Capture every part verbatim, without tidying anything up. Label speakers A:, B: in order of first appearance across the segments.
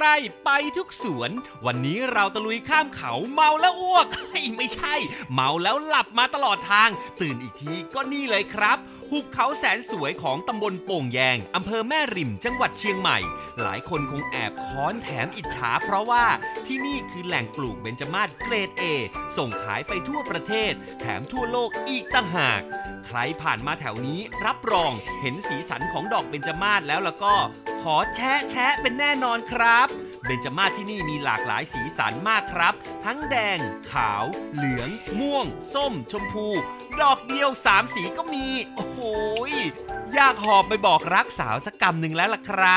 A: ไร่ไปทุกสวนวันนี้เราตะลุยข้ามเขาเมาแล้วอ้วก ไม่ใช่เมาแล้วหลับมาตลอดทางตื่นอีกทีก็นี่เลยครับหุบเขาแสนสวยของตำบลโป่งแยงอำเภอแม่ริมจังหวัดเชียงใหม่หลายคนคงแอบค้อนแถมอิจฉาเพราะว่าที่นี่คือแหล่งปลูกเบญจมาศเกรด เอ ส่งขายไปทั่วประเทศแถมทั่วโลกอีกต่างหากใครผ่านมาแถวนี้รับรองเห็นสีสันของดอกเบญจมาศแล้วแล้วก็ขอแชะแชะเป็นแน่นอนครับเบญจมาศที่นี่มีหลากหลายสีสันมากครับทั้งแดงขาวเหลืองม่วงส้มชมพูดอกเดียวสามสีก็มีโอ้โหอยากหอบไปบอกรักสาวสักกำหนึ่งแล้วล่ะครับ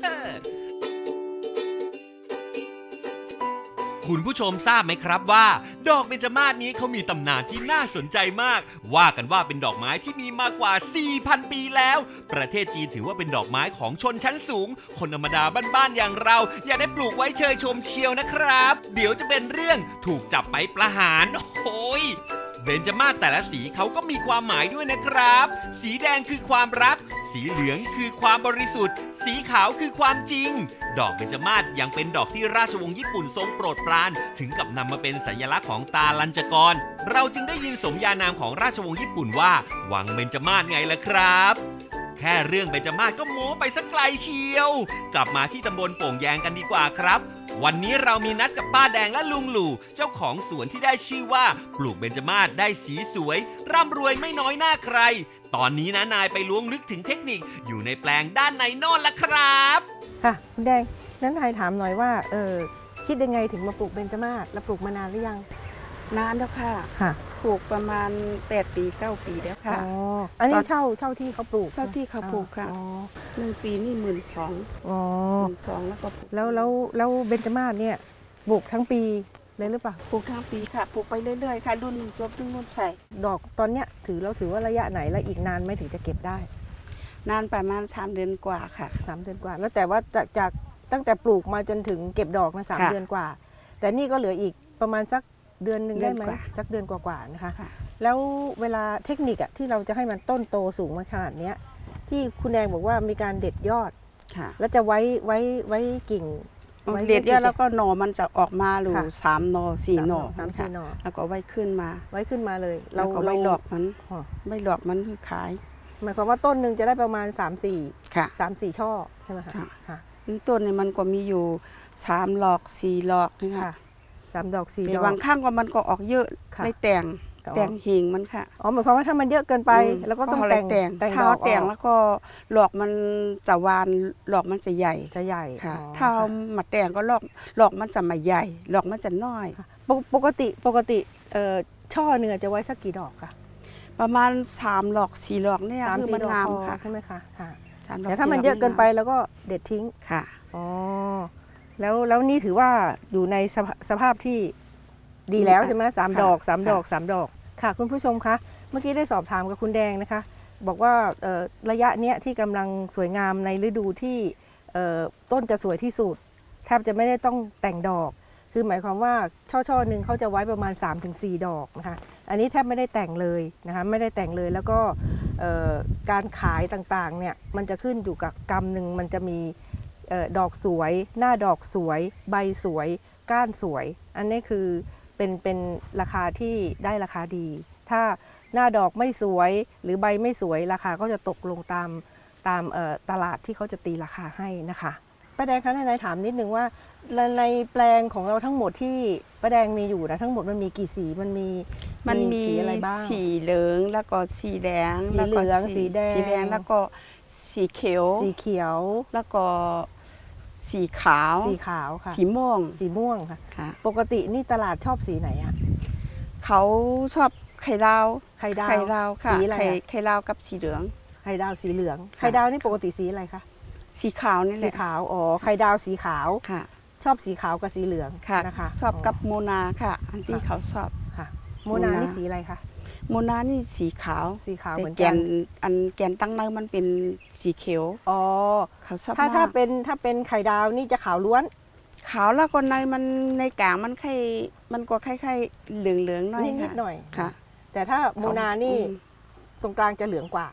A: คุณผู้ชมทราบไหมครับว่าดอกเบญจมาศนี้เขามีตำนานที่น่าสนใจมากว่ากันว่าเป็นดอกไม้ที่มีมากว่า สี่พัน ปีแล้วประเทศจีนถือว่าเป็นดอกไม้ของชนชั้นสูงคนธรรมดาบ้านๆอย่างเราอย่าได้ปลูกไว้เชยชมเชียวนะครับเดี๋ยวจะเป็นเรื่องถูกจับไปประหารโอ้ยเบญจมาศแต่ละสีเขาก็มีความหมายด้วยนะครับสีแดงคือความรักสีเหลืองคือความบริสุทธิ์สีขาวคือความจริงดอกเบญจมาศยังเป็นดอกที่ราชวงศ์ญี่ปุ่นทรงโปรดปรานถึงกับนำมาเป็นสัญลักษณ์ของตาลัญจกรเราจึงได้ยินสมญานามของราชวงศ์ญี่ปุ่นว่าวังเบญจมาศไงล่ะครับแค่เรื่องเบญจมาศก็โม้ไปสักไกลเชียวกลับมาที่ตำบลโป่งแยงกันดีกว่าครับวันนี้เรามีนัดกับป้าแดงและลุงหลู่เจ้าของสวนที่ได้ชื่อว่าปลูกเบญจมาศได้สีสวยร่ำรวยไม่น้อยหน้าใครตอนนี้นะนายไปล้วงลึกถึงเทคนิคอยู่ในแปลงด้านในโน่นละครับ
B: ค่ะคุณแดงนั้นนายถามหน่อยว่าเออคิดยังไงถึงมาปลูกเบญจมาศแล้วปลูกมานานหรือยัง
C: นานแล้วค่ะ
B: ค่ะ
C: ปลูกประมาณแปดปีเก้าปีแล้วค่ะ
B: อ๋ออันนี้เช่าเช่าที่เขาปลูก
C: เช่าที่เขาปลูกค่ะหนึ่งปีนี่หมื่นสอง
B: อ๋อ
C: หมื่นสองแล้วก็
B: แล้วแล้วแล้วเบญจมาศเนี่ยปลูกทั้งปีเลยหรือเปล่า
C: ปลูกทั้งปีค่ะปลูกไปเรื่อยๆค่ะรุ่นหนึ่งจบรุ่นนู้นใส่
B: ดอกตอนเนี้ยถือเราถือว่าระยะไหนและอีกนานไหมถึงจะเก็บได้
C: นานประมาณสามเดือนกว่าค่ะ
B: สามเดือนกว่าแล้วแต่ว่าจากจากตั้งแต่ปลูกมาจนถึงเก็บดอกมาสามเดือนกว่าแต่นี่ก็เหลืออีกประมาณสักเดือนหนึ่งได้ไหมสักเดือนกว่าๆนะคะแล้วเวลาเทคนิคอะที่เราจะให้มันต้นโตสูงมาขนาดนี้ที่คุณแดงบอกว่ามีการเด็ดยอดแล้วจะไว้ไว้ไว้กิ่ง
C: เด็ดยอดแล้วก็หน่อมันจะออกมาหรือสามหน่อสี่หน่อ
B: สามสี่หน่อ
C: แล้วก็ไว้ขึ้นมา
B: ไว้ขึ้นมาเลย
C: เราก็ไว้หลอกมันไว้หลอกมันคือขาย
B: หมายความว่าต้นหนึ่งจะได้ประมาณสามสี่
C: ค่ะ
B: สามสี่ช่อใช่ไหมคะ
C: ค่ะต้นนี่มันก็มีอยู่สามหลอกสี่หลอกนี่ค่ะ
B: สามดอกสี่ดอก
C: บางข้างก็มันก็ออกเยอะได้แต่งแต่งหิงมันค่ะ
B: อ๋อหมายความว่าถ้ามันเยอะเกินไปแล้วก็ต้องแต่ง
C: แต่งถ้าแต่งแล้วก็หลอกมันจะวานหลอกมันจะใหญ่
B: จะใหญ่
C: ค่ะถ้ามาแต่งก็หลอกหลอกมันจะไม่ใหญ่หลอกมันจะน้อย
B: ปกติปกติช่อเนื้อจะไว้สักกี่ดอกคะ
C: ประมาณสามหลอกสี่หลอกเนี่ยคือมันงามค่ะ
B: ใช่ไหมคะแต่ถ้ามันเยอะเกินไปแล้วก็เด็ดทิ้ง
C: ค่ะ
B: อ๋อแล้วแล้วนี่ถือว่าอยู่ในสภาพที่ดีแล้วใช่ไหมสามดอกสามดอกสามดอกค่ะคุณผู้ชมคะเมื่อกี้ได้สอบถามกับคุณแดงนะคะบอกว่าระยะเนี้ยที่กำลังสวยงามในฤดูที่ต้นจะสวยที่สุดแทบจะไม่ได้ต้องแต่งดอกคือหมายความว่าช่อช่อหนึ่งเขาจะไว้ประมาณ สามถึงสี่ ดอกนะคะอันนี้แทบไม่ได้แต่งเลยนะคะไม่ได้แต่งเลยแล้วก็การขายต่างๆเนี่ยมันจะขึ้นอยู่กับกำหนึ่งมันจะมีดอกสวยหน้าดอกสวยใบสวยก้านสวยอันนี้คือเป็นเป็นราคาที่ได้ราคาดีถ้าหน้าดอกไม่สวยหรือใบไม่สวยราคาก็จะตกลงตามตามตลาดที่เขาจะตีราคาให้นะคะป้าแดงคะนายถามนิดนึงว่าในแปลงของเราทั้งหมดที่ป้าแดงมีอยู่นะทั้งหมดมันมีกี่สีมันมี
C: มันมีอะไรบ้างสีเหลืองแล้วก็สีแดง
B: สีเหลืองสีแดง
C: สีแดงแล้วก็สีเขียว
B: สีเขียว
C: แล้วก็สีขาว
B: สีขาวค่ะ
C: สีม่วง
B: สีม่วงค่ะปกตินี่ตลาดชอบสีไหนอ่ะ
C: เขาชอบไข่ดาว
B: ไข่ดาว
C: ไข่ดาวค่ะสีอะไรไข่ดาวกับสีเหลือง
B: ไข่ดาวสีเหลืองไข่ดาวนี่ปกติสีอะไรคะ
C: สีขาวนี่แหละ
B: สีขาวอ๋อไข่ดาวสีขาว
C: ค่ะ
B: ชอบสีขาวกับสีเหลืองนะคะ
C: ชอบกับโมนาค่ะอันที่เขาชอบ
B: ค่ะโมนานี่สีอะไรคะ
C: โมนานี่สีขาว
B: สีขาวเหมือน
C: กันอันแกนตั้งเนื้อมันเป็นสีเขียว
B: อ๋อ
C: เขาชอบ
B: ถ้าถ้าเป็นถ้าเป็นไข่ดาวนี่จะขาวล้วน
C: ขาวแล้วก็ในมันในกลางมันไข่มันก็คล้ายๆเหลืองๆหน่อย
B: นิดหน่อย
C: ค่ะ
B: แต่ถ้าโมนานี่ตรงกลางจะเหลืองกว่า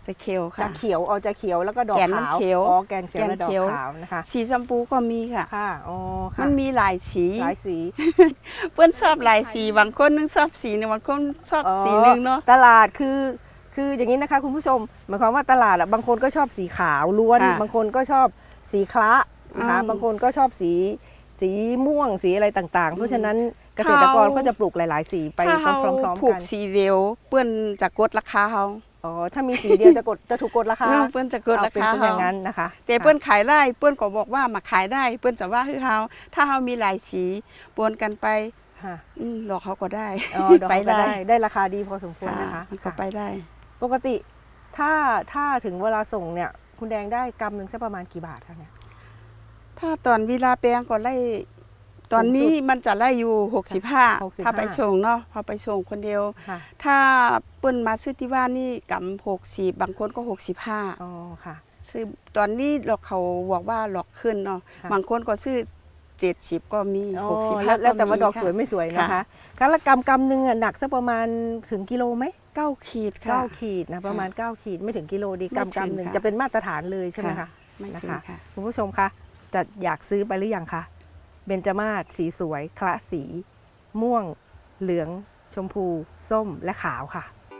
C: จะเขียว
B: จะ
C: ค่ะ
B: เขียวอ๋อจะเขียวแล้วก็ดอก
C: แกนมัน
B: ขาว
C: เขียว
B: อ๋อแกนเขียว
C: แกน
B: และดอ
C: เขี
B: ก
C: ยว
B: ขาวนะคะ
C: สีชมพูก็มีค่ะ
B: ค่ะอ๋อค่ะ
C: มันมีหลายสี
B: หลายสี
C: เพื่อนชอบหลายสีบางคนนึงชอบสีหนึงบางคนชอบ
B: อ๋อ
C: สีหนึงเนาะ
B: ตลาดคือคืออย่างนี้นะคะคุณผู้ชมหมายความว่าตลาดอะบางคนก็ชอบสีขาวล้วน
C: ค่ะ
B: บางคนก็ชอบสีคละนะคะ
C: อืม
B: บางคนก็ชอบสีสีม่วงสีอะไรต่างๆ เพราะฉะนั้นเกษตรกร
C: เขา
B: ก็จะปลูกหลาย ๆ สีไป
C: ถ้า
B: พ
C: เขา
B: ร้อม
C: ผู
B: ๆ
C: ก
B: กัน
C: สีเดียวเพื่อนจะกดราคาเขา
B: อ๋อถ้ามีสีเดียวจะกดจะถูกกดราคา
C: เออเพื่อนจะกด
B: เอา
C: รา
B: เป็น
C: คา
B: เช่นอ
C: เขา
B: ย่างนั้นนะคะ
C: แต่เพื่อนขายได้เพื่อนก็บอกว่ามาขายได้ เพื่อนจะว่าให้เขาถ้าเขามีหลายสีปนกันไป
B: ค่ะ
C: อืมดอกเขาก็ได้
B: อ๋อดอก
C: ไป
B: ก็
C: ได้
B: ได้ได้ราคาดีพอสมควรนะคะ
C: มันก็
B: ค่ะ
C: ไปได้
B: ปกติถ้าถ้าถึงเวลาส่งเนี่ยคุณแดงได้กำหนึ่งสักประมาณกี่บาทคะเนี่ย
C: ถ้าตอนเวลาแปลงก็ไล่ตอนนี้มันจะไล่อยู่หกสิบห้า
B: หกสิบห้า
C: ถ้าไปส่งเนาะพอไปส่งคนเดียว
B: ค่ะ
C: ถ้าเปิ้นมาซื้อที่บ้านนี่กำหกสิบบางคนก็หกสิบห้า
B: อ๋อค่ะ
C: ซื้อตอนนี้หลอกเขาบอกว่าหลอกขึ้นเนาะ
B: ค่ะ
C: บางคนก็ซื้อเจ็ดสิบก็มี
B: อ๋อ
C: หกสิบ
B: แล้
C: ห้าว
B: แล้วแต่ว่า
C: มี
B: ดอก
C: ค่ะ
B: สวยไม่สวยนะคะ
C: ค่ะ
B: การละกำกำหนึ่งอะหนักสักประมาณถึงกิโลไหม
C: เก้าขีดค่ะ
B: เก้าขีดนะประมาณเก้าขีดไม่ถึงกิโลดี
C: ไม่ถึง
B: กำกำหนึ่ง
C: ค่ะ
B: จะเป็นมาตรฐานเลยใช่ไหมคะ
C: ไม่
B: นะ
C: ถึง
B: คะ
C: ค่ะ
B: คุณผู้ชมคะจะอยากซื้อไปหรือยังคะเบญจมาศสีสวยคละสี ม่วง เหลือง ชมพู ส้มและขาวค่ะ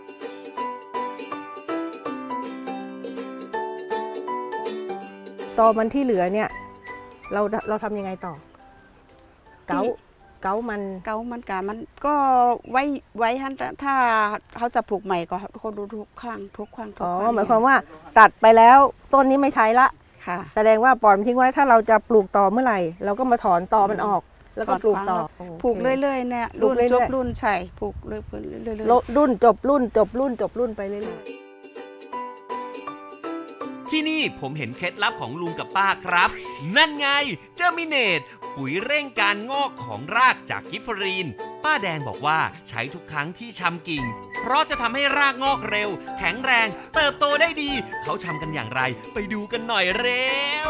B: ตอมันที่เหลือเนี่ยเราเราทำยังไงต่อ เกาเกามัน
C: เกามันกะมันก็ไว้ไว้ฮันแต่ถ้าเขาจะปลูกใหม่ก็เขาดูทุกข้างทุกข้างทุก
B: อ๋อ
C: ข้าง
B: หมายความว่าตัดไปแล้วต้นนี้ไม่ใช้ละ
C: ค่ะ
B: แสดงว่าปล่อยมันทิ้งไว้ถ้าเราจะปลูกต่อเมื่อไหร่ เราก็มาถอนตอมันออก แล้วก็ปลูกต่อ
C: ปลูกเรื่อยๆเนี่ย
B: ปลู
C: รุ่
B: ก
C: น
B: เรื่อยๆ
C: จบรุ่นใช่ปลูกเรื่อยๆเรื่อย
B: ลดรุ่นจบรุ่นจบรุ่นจบรุ่นไปเรื่อย
A: ที่นี่ผมเห็นเคล็ดลับของลุงกับป้าครับ นั่นไงเจอมิเนตปุ๋ยเร่งการงอกของรากจากกิฟเฟอรีน ป้าแดงบอกว่าใช้ทุกครั้งที่ชำกิ่ง เพราะจะทำให้รากงอกเร็ว แข็งแรง เติบโตได้ดี เขาชำกันอย่างไร ไปดูกันหน่อยเร็ว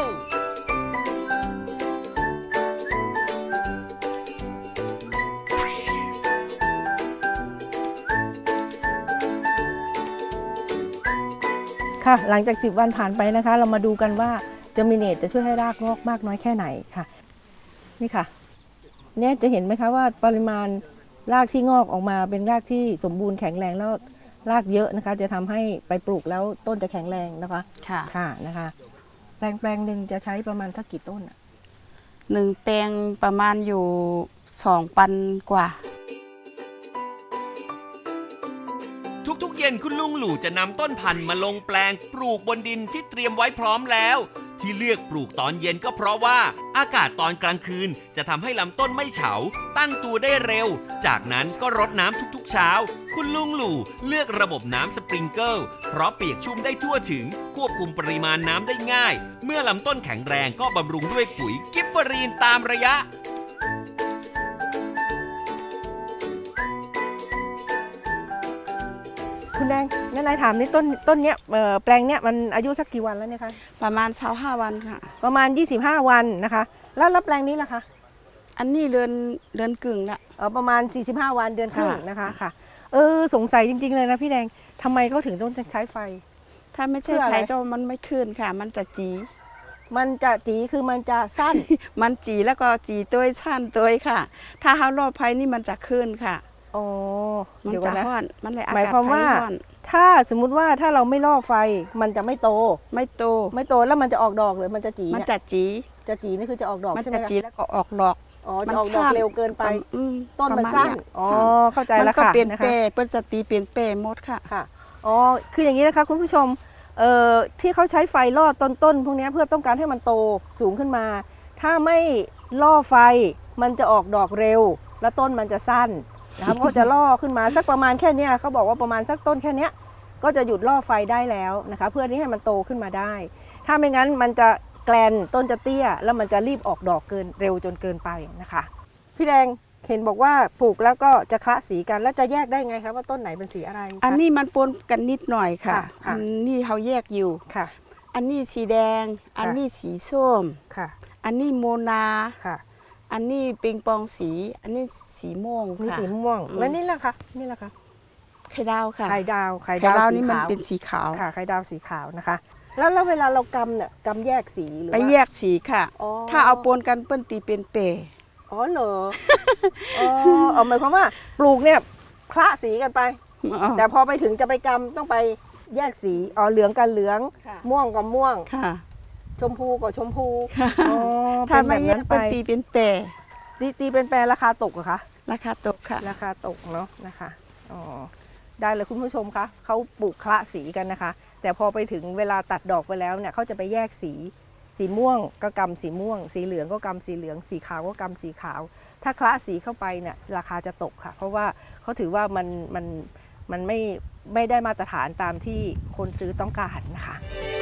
B: ๆค่ะ หลังจากสิบวันผ่านไปนะคะ เรามาดูกันว่าเจอมิเนตจะช่วยให้รากงอกมากน้อยแค่ไหนค่ะ นี่ค่ะ เนี่ยจะเห็นไหมคะว่าปริมาณรากที่งอกออกมาเป็นรากที่สมบูรณ์แข็งแรงแล้วรากเยอะนะคะ จะทำให้ไปปลูกแล้วต้นจะแข็งแรงนะคะ
C: ๆค่ะ
B: ค่ะนะคะ แปลงแปลงหนึ่งจะใช้ประมาณสักกี่ต้นอะ
C: หนึ่งแปลงประมาณอยู่สองปันกว่า
A: ทุกๆเย็นคุณลุงหลู่จะนำต้นพันธุ์มาลงแปลงปลูกบนดินที่เตรียมไว้พร้อมแล้ว ที่เลือกปลูกตอนเย็นก็เพราะว่าอากาศตอนกลางคืนจะทำให้ลำต้นไม่เฉา ตั้งตัวได้เร็ว จากนั้นก็รดน้ำทุกๆเช้า คุณลุงหลู่เลือกระบบน้ำสปริงเกิลเพราะเปียกชุ่มได้ทั่วถึง ควบคุมปริมาณน้ำได้ง่าย เมื่อลำต้นแข็งแรงก็บำรุงด้วยปุ๋ยกิฟเฟอรีนตามระยะ
B: คุณแดงงั้นนายถามนี่ต้นต้นเนี้ยเอ่อแปลงเนี้ยมันอายุสักกี่วันแล้วเนี่ยคะ
C: ประมาณเช้าห้าวันค่ะ
B: ประมาณ ยี่สิบห้า วันนะคะ แล้วแล้วแปลงนี้ล่ะคะ
C: อันนี้เรือนเรือนกึ่งละ
B: เออประมาณ สี่สิบห้า วันเดือนครึ่ง
C: ค่ะ
B: นะคะค่ะ เออสงสัยจริง ๆ เลยนะพี่แดงทำไมเขาถึงต้องใช้ไฟ
C: ถ้าไม่ใช่
B: เพื่ออะไร
C: ไผ่ก็มันไม่ขึ้นค่ะ มันจะจี
B: มันจะจีคือมันจะสั้น
C: มันจีแล้วก็จีตัวสั้นตัวค่ะ ถ้าเขารอบไผ่นี่มันจะขึ้นค่ะ
B: อ๋อ
C: มัน
B: เดี๋ยว
C: จะ
B: ก่อนนะ
C: ห้อน มันเลยอา
B: หมาย
C: กาศ
B: ความ
C: ไผ่
B: ว่า
C: ห้อน
B: ถ้าสมมุติว่าถ้าเราไม่ล่อไฟมันจะไม่โต
C: ไม่โต
B: ไม่โตแล้วมันจะออกดอกหรือมันจะจี
C: มัน
B: เนี่ย
C: จะจี
B: จะจีนี่คือจะออกดอก
C: มัน
B: ใช่ไหม
C: จะ
B: คะ
C: จีแล้วก็ออกดอก
B: อ๋อ
C: มั
B: จะ
C: น
B: ออกดอก
C: สั้น
B: เร็วเกินไป
C: อืม
B: ต้นมัน
C: ประาณ
B: สั้น
C: เย
B: อ๋อ
C: สั้น
B: เข้าใจ
C: มัน
B: แล้ว
C: ก็
B: ค่ะ
C: เปลี่ยน
B: นะ
C: เป
B: คะ
C: เปิ้นจะตีเปลี่ยนเปหมดค่ะ
B: ค่ะ อ๋อ คืออย่างนี้นะคะคุณผู้ชม เอ่อ ที่เขาใช้ไฟล่อต้นๆพวกนี้เพื่อต้องการให้มันโตสูงขึ้นมา ถ้าไม่ล่อไฟมันจะออกดอกเร็ว แล้วต้นมันจะสั้นนะคะเพราะจะล่อขึ้นมาสักประมาณแค่เนี้ยเขาบอกว่าประมาณสักต้นแค่เนี้ยก็จะหยุดล่อไฟได้แล้วนะคะ เพื่อที่ให้มันโตขึ้นมาได้ ถ้าไม่งั้นมันจะแกลนต้นจะเตี้ย แล้วมันจะรีบออกดอกเกินเร็วจนเกินไปนะคะ พี่แดงเห็นบอกว่าปลูกแล้วก็จะคละสีกันแล้วจะแยกได้ไงคะว่าต้นไหนเป็นสีอะไรคะ
C: อันนี้มันปนกันนิดหน่อยค่ะ
B: ค่ะค่ะ
C: อันนี้เขาแยกอยู่
B: ค่ะ
C: อันนี้สีแดง อัน
B: ค่ะ
C: นี้สีส้ม
B: ค่ะ
C: อันนี้โมนา
B: ค่ะ
C: อันนี้ปิงปองสี อันนี้สีม่วง
B: มี
C: ค่ะ
B: สีม่วง
C: อืม
B: แล้วนี่แหละคะนี่แหละคะ
C: ไข่ดาวค่ะ
B: ไข่ดาวไข่
C: ไข่
B: ดาว
C: ดาว
B: สี
C: นี่มัน
B: ขาว
C: เป็นสีขาว
B: ค่ะไข่ดาวสีขาวนะคะ แล้วแล้วเวลาเรากำเนี่ยกำแยกสีหรือ
C: ไป
B: ว่า
C: แยกสีค่ะ
B: อ๋อ
C: ถ้าเอาปนกันเปิ้นตีเป็นเปร
B: อ๋อเหรอ อ๋อเอาหมายความว่าปลูกเนี่ยคละสีกันไป
C: อ๋อ
B: แต่พอไปถึงจะไปกำต้องไปแยกสีอ๋อเหลืองกับเหลือง
C: ค่ะ
B: ม่วงกับม่วง
C: ค่ะ
B: ชมพูกับชมพู
C: ค่ะ
B: อ๋อ
C: ถ้า
B: เป็นแบ
C: ไม่
B: บ
C: แย
B: นั้
C: ก
B: นไป
C: เปิ้นตีเป็นเปร
B: ตีตีเป็นแปลราคาตกเหรอคะ
C: ราคาตกค่ะ
B: ราคาตกเนาะนะคะอ๋อได้เลยคุณผู้ชมคะเขาปลูกคละสีกันนะคะ แต่พอไปถึงเวลาตัดดอกไปแล้วเนี่ยเขาจะไปแยกสีสีม่วงก็กำสีม่วง สีเหลืองก็กำสีเหลืองสีขาวก็กำสีขาว ถ้าคละสีเข้าไปเนี่ยราคาจะตกค่ะ เพราะว่าเขาถือว่ามันมันมันไม่ไม่ได้มาตรฐานตามที่คนซื้อต้องการนะคะ